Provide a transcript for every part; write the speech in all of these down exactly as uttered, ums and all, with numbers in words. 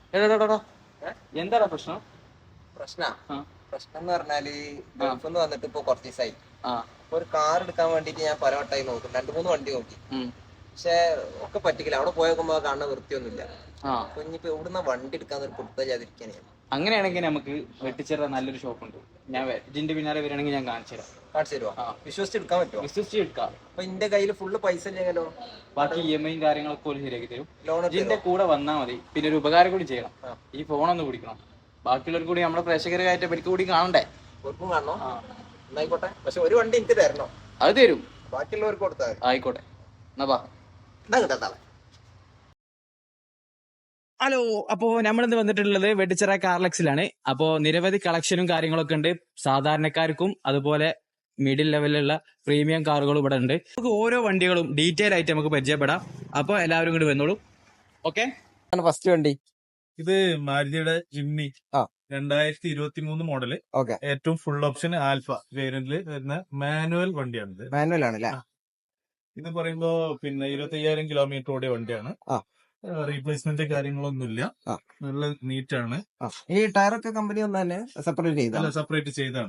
എടാ എന്താടാ പ്രശ്നം? പ്രശ്ന ആ പ്രശ്നം എന്ന് പറഞ്ഞാല് ആ ഗൾഫിൽ നിന്ന് വന്നിട്ട് ഇപ്പൊ കുറച്ച് ദിവസമായി. ആ അപ്പൊ ഒരു കാർ എടുക്കാൻ വേണ്ടിട്ട് ഞാൻ പല വട്ടമായി നോക്കും, രണ്ടു മൂന്ന് വണ്ടി നോക്കി. ഉം, പക്ഷെ ഒക്കെ പറ്റിക്കില്ല. അവിടെ പോയി നോക്കുമ്പോ കാണുന്ന വൃത്തിയൊന്നുമില്ല. ആ അപ്പൊ ഇനിയിപ്പോ എവിടുന്ന വണ്ടി എടുക്കാന്ന് ഒരു പുടുത്തല്ലാതിരിക്കാണ്. അങ്ങനെയാണെങ്കിൽ നമുക്ക് വെട്ടിച്ചേരാൻ നല്ലൊരു ഷോപ്പുണ്ട്. ഞാൻ വേ- ഇതിന്റെ പിന്നാലെ വരികയാണെങ്കിൽ ഞാൻ കാണിച്ചു തരാം. കാണിച്ചു തരുമോ? ആ വിശ്വസിച്ച് എടുക്കാൻ പറ്റുമോ? വിശ്വസിച്ച് എടുക്കാം. അപ്പൊ എന്റെ കയ്യിൽ ഫുള്ള് പൈസ ഇല്ലെങ്കിലോ? ബാക്കി ഇ എം ഐയും കാര്യങ്ങളൊക്കെ പോലും ശരിയാക്കി തരും. ലോൺ ഇതിന്റെ എടുത്തോ? കൂടെ വന്നാൽ മതി. പിന്നെ ഒരു ഉപകാരം കൂടി ചെയ്യണം. ആ, ഈ ഫോണൊന്ന് കുടിക്കണം. ബാക്കിയുള്ളവർ കൂടി നമ്മുടെ പ്രേക്ഷകരായിട്ട് പരിക്ക് കൂടി കാണണ്ടേ? ഓർക്കും കാണണോ? ആ എന്നായിക്കോട്ടെ. പക്ഷെ ഒരു വണ്ടി എനിക്ക് തരണോ? അത് തരും. ബാക്കിയുള്ളവർക്ക് കൊടുത്താൽ മതി. ആയിക്കോട്ടെ, എന്നാ ബാ. എന്നാ കിട്ടാ. ഹലോ, അപ്പോ നമ്മളിന്ന് വന്നിട്ടുള്ളത് വെട്ടിച്ചിറ കാർലക്സിലാണ്. അപ്പോ നിരവധി കളക്ഷനും കാര്യങ്ങളൊക്കെ ഉണ്ട്. സാധാരണക്കാർക്കും അതുപോലെ മിഡിൽ ലെവലിലുള്ള പ്രീമിയം കാറുകളും ഇവിടെ ഉണ്ട്. നമുക്ക് ഓരോ വണ്ടികളും ഡീറ്റെയിൽ ആയിട്ട് നമുക്ക് പരിചയപ്പെടാം. അപ്പൊ എല്ലാവരും കൂടി വന്നോളൂ. ഓക്കെ, ഫസ്റ്റ് വണ്ടി ഇത് മാരുതിയുടെ ജിംനി ആ. രണ്ടായിരത്തി ഇരുപത്തി മൂന്ന് മോഡല്. ഓക്കെ, ഏറ്റവും ഫുൾ ഓപ്ഷൻ ആൽഫ വേരിയന്റിൽ വരുന്ന മാനുവൽ വണ്ടിയാണിത്. മാനുവൽ ആണല്ലേ? ഇത് പറയുമ്പോ പിന്നെ ഇരുപത്തി അയ്യായിരം കിലോമീറ്റർ ഓടിയ വണ്ടിയാണ്. ആ. റീപ്ലേസ്മെന്റ് കാര്യങ്ങളൊന്നുമില്ല. ആ. നല്ല നീറ്റ് ആണ്. ഈ ടയറൊക്കെ കമ്പനി ഒന്ന് തന്നെ സെപ്പറേറ്റ് ചെയ്ത സെപ്പറേറ്റ് ചെയ്താണ്.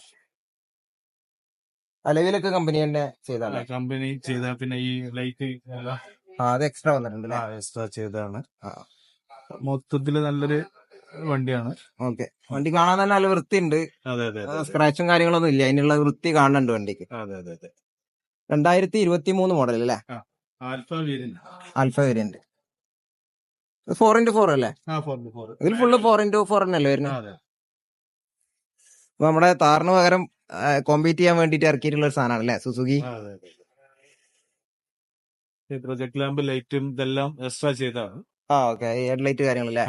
അലവിലൊക്കെ കമ്പനി തന്നെ ചെയ്താണ്. കമ്പനി ചെയ്ത പിന്നെ ഈ ലൈറ്റ് അത് എക്സ്ട്രാ വന്നിട്ടുണ്ട് എക്സ്ട്രാ ചെയ്താണ്. മൊത്തത്തില് നല്ലൊരു വണ്ടിയാണ്. ഓക്കെ, വണ്ടി കാണാൻ തന്നെ നല്ല വൃത്തിയുണ്ട്. അതെ അതെ സ്ക്രാച്ചും കാര്യങ്ങളൊന്നും ഇല്ല, അതിനുള്ള വൃത്തി കാണുന്നുണ്ട് വണ്ടിക്ക്. അതെ അതെ അതെ രണ്ടായിരത്തി ഇരുപത്തി മൂന്ന് മോഡൽ അല്ലേ? Alpha variant. Alpha variant four into four അല്ലേ? ഇതിൽ ഫുള്ള് ഫോർ ഇന്റു ഫോർ തന്നെയല്ലേ വരുന്നത്? അപ്പൊ നമ്മുടെ താറിന് പകരം കോമ്പീറ്റ് ചെയ്യാൻ വേണ്ടിട്ട് ഇറക്കിയിട്ടുള്ള ഒരു സാധനമാണ് അല്ലേ സുസുക്കി? പ്രൊജക്ട് ലാമ്പ് ലൈറ്റും ഇതെല്ലാം എക്സ്ട്രാ ചെയ്താണ്. ആ ഓക്കെ, ഹെഡ് ലൈറ്റ് കാര്യങ്ങളല്ലേ?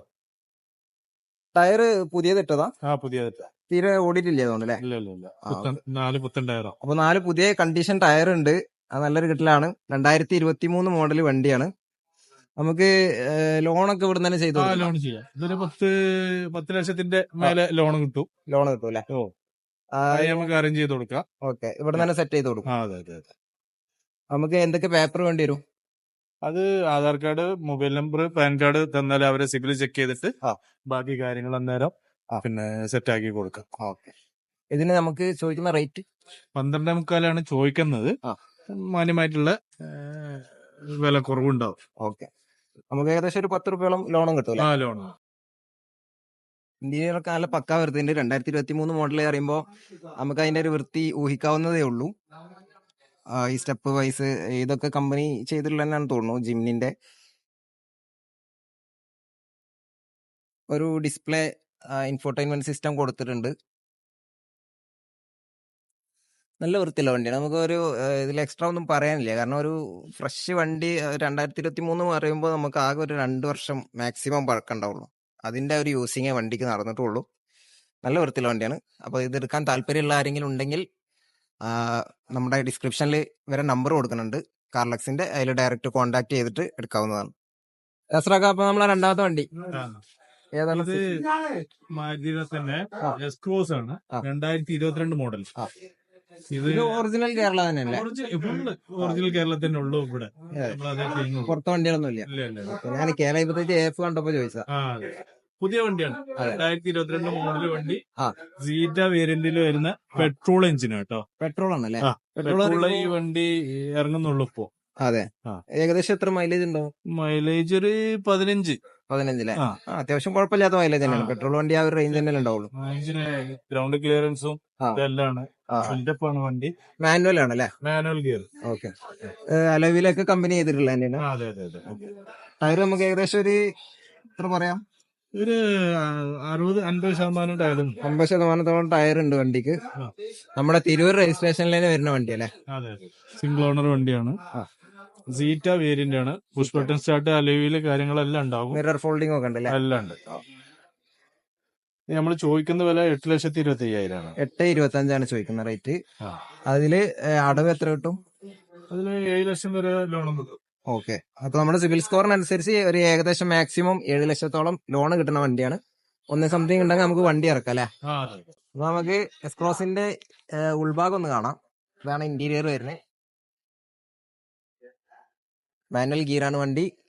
ടയർ പുതിയത് ഇട്ടതാ? ആ പുതിയത്. തീരെ ഓടിയിട്ടില്ല തോന്നുന്നു. ഇല്ല ഇല്ല ഇല്ല നാല് പുത്തൻ ടയറോ. അപ്പൊ നാല് പുതിയ കണ്ടീഷൻ ടയർ ഉണ്ട്. അത് നല്ലൊരു കിട്ടലാണ്. രണ്ടായിരത്തി ഇരുപത്തി മൂന്ന് മോഡൽ വണ്ടിയാണ്. നമുക്ക് ലോണൊക്കെ ഇവിടെ തന്നെ ചെയ്തു ലോൺ ചെയ്യാം. ഇതൊരു പത്ത് പത്ത് ലക്ഷത്തിന്റെ മേലെ ലോൺ കിട്ടും. ലോൺ കിട്ടും അല്ലേ? ഓ, നമുക്ക് അറേഞ്ച് ചെയ്ത് കൊടുക്കാം. ഓക്കെ, ഇവിടെ തന്നെ സെറ്റ് ചെയ്ത് കൊടുക്കും. അതെ അതെ അതെ. നമുക്ക് എന്തൊക്കെ പേപ്പർ വേണ്ടി വരും? അത് Aadhaar card, mobile number, PAN card തന്നാൽ അവരെ സിബിൽ ചെക്ക് ചെയ്തിട്ട് ബാക്കി കാര്യങ്ങൾ അന്നേരം പിന്നെ സെറ്റ് ആക്കി കൊടുക്കാം. ഓക്കെ, ഇതിന് നമുക്ക് ചോദിക്കുന്ന റേറ്റ് പന്ത്രണ്ടേ മുക്കാലാണ് ചോദിക്കുന്നത്. മാന്യമായിട്ടുള്ള വില കുറവുണ്ടാവും. ഓക്കെ, നമുക്ക് ഏകദേശം ഒരു പത്ത് റുപ്യോളം ലോണും കിട്ടും. ആ ലോൺ ഇന്ത്യയിലൊക്കെ നല്ല പക്കാ വൃത്തിയുണ്ട്. രണ്ടായിരത്തി ഇരുപത്തി മൂന്ന് മോഡൽ പറയുമ്പോൾ നമുക്ക് അതിന്റെ ഒരു വൃത്തി ഊഹിക്കാവുന്നതേ ഉള്ളൂ. ഈ സ്റ്റെപ്പ് വൈസ് ഇതൊക്കെ കമ്പനി ചെയ്തിട്ടുള്ള തന്നെയാണ് തോന്നുന്നു. ജിമ്നിന്റെ ഒരു ഡിസ്പ്ലേ ഇൻഫോർടൈൻമെന്റ് സിസ്റ്റം കൊടുത്തിട്ടുണ്ട്. നല്ല വൃത്തിയുള്ള വണ്ടിയാണ്. നമുക്ക് ഒരു ഇതിൽ എക്സ്ട്രാ ഒന്നും പറയാനില്ല. കാരണം ഒരു ഫ്രഷ് വണ്ടി രണ്ടായിരത്തി ഇരുപത്തി മൂന്ന് പറയുമ്പോൾ നമുക്ക് ആകെ ഒരു രണ്ട് വർഷം മാക്സിമം പഴക്കമുണ്ടാവുള്ളൂ. അതിന്റെ ഒരു യൂസിങ്ങേ വണ്ടിക്ക് നടന്നിട്ടുള്ളൂ. നല്ല വൃത്തിയുള്ള വണ്ടിയാണ്. അപ്പോൾ ഇത് എടുക്കാൻ താല്പര്യമുള്ള ആരെങ്കിലും ഉണ്ടെങ്കിൽ നമ്മുടെ ഡിസ്ക്രിപ്ഷനിൽ വരെ നമ്പർ കൊടുക്കുന്നുണ്ട് കാർലക്സിന്റെ. അതിൽ ഡയറക്റ്റ് കോൺടാക്ട് ചെയ്തിട്ട് എടുക്കാവുന്നതാണ്. എസ്രാക്ക, അപ്പൊ നമ്മളെ രണ്ടാമത്തെ വണ്ടി ഏതാണ്? മാരുതിയുടെ തന്നെ എസ് ക്രോസ് ആണ്. രണ്ടായിരത്തി ഇരുപത്തിരണ്ട് മോഡൽ. ഇത് ഒറിജിനൽ കേരള തന്നെയല്ലേ? ഒറിജിനൽ കേരളത്തിന്റെ ഉള്ളൂ. ഇവിടെ പുറത്തെ വണ്ടികളൊന്നും ഇല്ല. ഞാൻ കേരള ഇപ്പത്തേക്ക് എഫ് കണ്ടപ്പോ ചോദിച്ചാ. പുതിയ വണ്ടിയാണ്. രണ്ടായിരത്തി ഇരുപത്തിരണ്ട് മോഡൽ വണ്ടി. സീറ്റ വേരിയന്റിൽ വരുന്ന പെട്രോൾ എഞ്ചിൻ കേട്ടോ. പെട്രോൾ ആണല്ലേ? പെട്രോൾ ഈ വണ്ടി ഇറങ്ങുന്നുള്ളൂ ഇപ്പോ. അതെ, ഏകദേശം എത്ര മൈലേജ് ഉണ്ടാവും? മൈലേജ് ഒരു പതിനഞ്ച് പതിനഞ്ചിലെ അത്യാവശ്യം കുഴപ്പമില്ലാത്ത മൈലേജ് തന്നെയാണ്. പെട്രോൾ വണ്ടി ആ ഒരു റേഞ്ച് തന്നെ ഉണ്ടാവുള്ളൂ. ഗ്രൗണ്ട് ക്ലിയറൻസും ഇതെല്ലാം വണ്ടി. മാനുവൽ ആണല്ലേ? Manual gear. ഓക്കെ, അലവിലൊക്കെ കമ്പനി ചെയ്തിട്ടുള്ള തന്നെയാണ്. അതെ അതെ അതെ. ടയർ നമുക്ക് ഏകദേശം ഒരു എത്ര പറയാം? ഒരു അറുപത് അൻപത് ശതമാനം ടയറും. അമ്പത് ശതമാനത്തോളം ടയർ ഉണ്ട് വണ്ടിക്ക്. നമ്മുടെ തിരൂർ രജിസ്ട്രേഷനിലേക്ക് വരുന്ന വണ്ടി അല്ലേ? അതെ, സിംഗിൾ ഓണർ വണ്ടിയാണ്. സീറ്റ വേരിയന്റ് ആണ്. പുഷ് ബട്ടൺ സ്റ്റാർട്ട്, അലോയില് കാര്യങ്ങളെല്ലാം ഉണ്ടാവും. മിറർ ഫോൾഡിംഗ് ഒക്കെ ഉണ്ടല്ലേ? എല്ലാം ഉണ്ട്. നമ്മൾ ചോദിക്കുന്ന വില എട്ട് ലക്ഷത്തി ഇരുപത്തി അയ്യായിരം ആണ്. എട്ട് ഇരുപത്തി അഞ്ചാണ് ചോദിക്കുന്ന റേറ്റ്. അതില് അടവ് എത്ര കിട്ടും? അതില് ഏഴ് ലക്ഷം വരെ ലോണും കിട്ടും. ഓക്കെ, അപ്പൊ നമ്മുടെ സിവിൽ സ്കോറിനനുസരിച്ച് ഒരു ഏകദേശം മാക്സിമം ഏഴ് ലക്ഷത്തോളം ലോൺ കിട്ടുന്ന വണ്ടിയാണ്. ഒന്ന് സംതിങ് ഉണ്ടെങ്കിൽ നമുക്ക് വണ്ടി ഇറക്കാം അല്ലെ? അപ്പൊ നമുക്ക് എസ്ക്രോസിന്റെ ഉൾഭാഗം ഒന്ന് കാണാം. ഇതാണ് ഇന്റീരിയർ വരുന്നത്. മാനുവൽ ഗിയറാണ് വണ്ടി.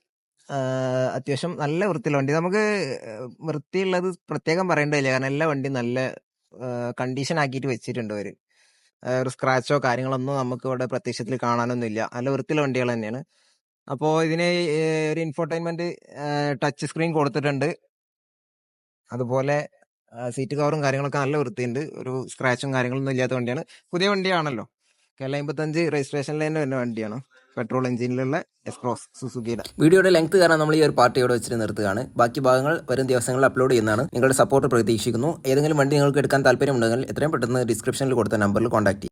അത്യാവശ്യം നല്ല വൃത്തിയുള്ള വണ്ടി. നമുക്ക് വൃത്തിയുള്ളത് പ്രത്യേകം പറയേണ്ടതില്ല, കാരണം എല്ലാ വണ്ടിയും നല്ല കണ്ടീഷൻ ആക്കിയിട്ട് വെച്ചിട്ടുണ്ട് അവർ. ഒരു സ്ക്രാച്ചോ കാര്യങ്ങളൊന്നും നമുക്ക് ഇവിടെ പ്രത്യക്ഷത്തിൽ കാണാനൊന്നുമില്ല. നല്ല വൃത്തിയുള്ള വണ്ടികൾ തന്നെയാണ്. അപ്പോൾ ഇതിന് ഒരു ഇൻഫോർടൈൻമെന്റ് ടച്ച് സ്ക്രീൻ കൊടുത്തിട്ടുണ്ട്. അതുപോലെ സീറ്റ് കവറും കാര്യങ്ങളൊക്കെ നല്ല വൃത്തിയുണ്ട്. ഒരു സ്ക്രാച്ചും കാര്യങ്ങളൊന്നും ഇല്ലാത്ത വണ്ടിയാണ്. പുതിയ വണ്ടിയാണല്ലോ. കേരള അമ്പത്തഞ്ച് രജിസ്ട്രേഷനിൽ തന്നെ വരുന്ന വണ്ടിയാണ്. പെട്രോൾ എഞ്ചിനിലുള്ള എക്സ്പ്രോസ് സുസുക്കിയുടെ. വീഡിയോയുടെ ലെങ്ത് കാരണം നമ്മൾ ഈ ഒരു പാർട്ടിയോട് വെച്ചിട്ട് നിർത്തുകയാണ്. ബാക്കി ഭാഗങ്ങൾ വരും ദിവസങ്ങളിൽ അപ്ലോഡ് ചെയ്യുന്നതാണ്. നിങ്ങളുടെ സപ്പോർട്ട് പ്രതീക്ഷിക്കുന്നു. ഏതെങ്കിലും വണ്ടി നിങ്ങൾക്ക് എടുക്കാൻ താല്പര്യമുണ്ടെങ്കിൽ എത്രയും പെട്ടെന്ന് ഡിസ്ക്രിപ്ഷനിൽ കൊടുത്ത നമ്പറിൽ കോൺടാക്ട് ചെയ്യും.